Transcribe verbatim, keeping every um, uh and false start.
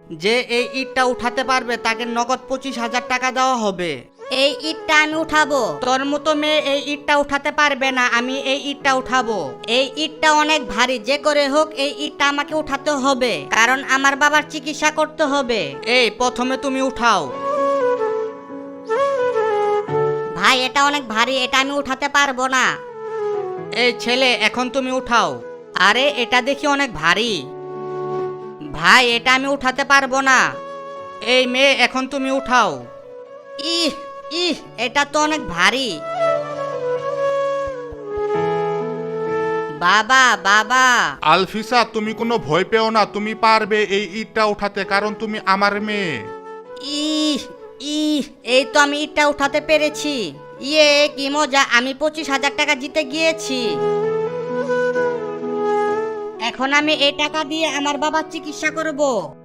যে এই ইটটা উঠাতে পারবে তাকে নগদ পঁচিশ হাজার টাকা দেওয়া হবে। এই ইটটা আমি উঠাবো। তোর মতো মেয়ে এই ইটটা উঠাতে পারবে না, আমি এই ইটটা উঠাবো। এই ইটটা অনেক ভারী, যে করে হোক এই ইটটা আমাকে উঠাতে হবে, কারণ আমার বাবার চিকিৎসা করতে হবে। এই প্রথমে তুমি উঠাও। ভাই এটা অনেক ভারী, এটা আমি উঠাতে পারবো না। এই ছেলে এখন তুমি উঠাও। আরে এটা দেখি অনেক ভারী। ভাই এটা আমি উঠাতে পারবো না। এই মেয়ে এখন তুমি উঠাও। ইহ ইহ এটা তো অনেক ভারী। বাবা বাবা। আলফিসা, তুমি কোনো ভয় পেও না, তুমি পারবে এই ইটটা উঠাতে, কারণ তুমি আমার মেয়ে। ইহ ইহ এই তো আমি ইটটা উঠাতে পেরেছি। ইয়ে কি মজা, আমি পঁচিশ হাজার টাকা জিতে গিয়েছি। এখন আমি এই টাকা দিয়ে আমার বাবার চিকিৎসা করব।